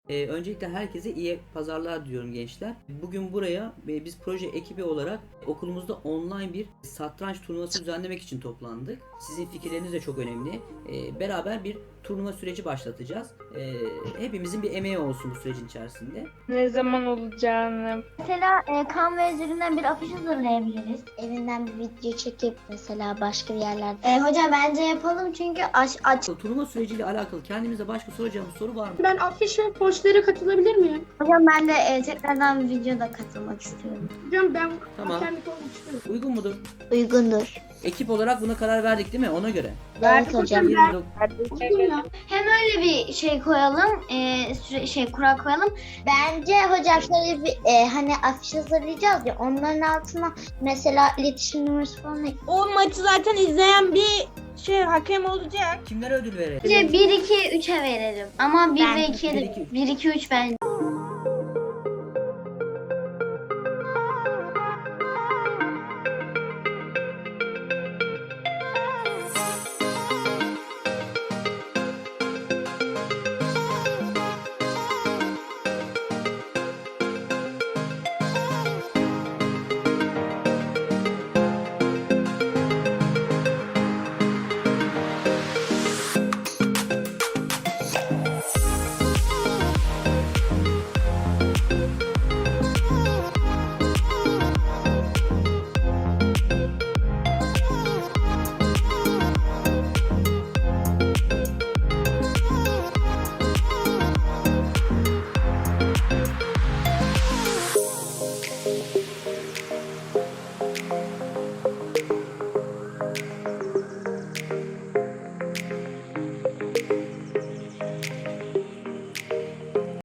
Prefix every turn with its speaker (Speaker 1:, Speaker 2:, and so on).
Speaker 1: Öncelikle herkese iyi pazarlar diliyorum gençler. Bugün buraya biz proje ekibi olarak okulumuzda online bir satranç turnuvası düzenlemek için toplandık. Sizin fikirleriniz de çok önemli. Beraber bir turnuva süreci başlatacağız. Hepimizin bir emeği olsun bu sürecin içerisinde.
Speaker 2: Ne zaman olacağını.
Speaker 3: Mesela Canva üzerinden bir afiş hazırlayabiliriz. Evinden bir video çekip mesela başka bir yerlerde. Hocam bence yapalım çünkü aç.
Speaker 1: Turnuva süreciyle alakalı kendimize başka soracağımız soru var mı?
Speaker 4: Ben afiş ve postlara katılabilir miyim?
Speaker 3: Hocam ben de tekrardan videoda katılmak istiyorum.
Speaker 4: Hocam ben
Speaker 1: Tamam.
Speaker 4: kendi olmak istiyorum.
Speaker 1: Uygun mudur?
Speaker 3: Uygundur.
Speaker 1: Ekip olarak buna karar verdik değil mi? Ona göre.
Speaker 3: Evet hocam.
Speaker 1: 29
Speaker 4: Olsun ya.
Speaker 3: Hem öyle bir şey koyalım, kural koyalım. Bence hocam şöyle bir hani afiş hazırlayacağız ya, onların altına mesela iletişim numarası falan ekleyelim.
Speaker 2: O maçı zaten izleyen bir hakem olacak.
Speaker 1: Kimlere ödül verelim?
Speaker 3: Bence 1, 2, 3'e verelim. Ama 1 ve 2'ye
Speaker 1: bir,
Speaker 3: de
Speaker 1: iki, üç.
Speaker 3: 1, 2, 3 bence.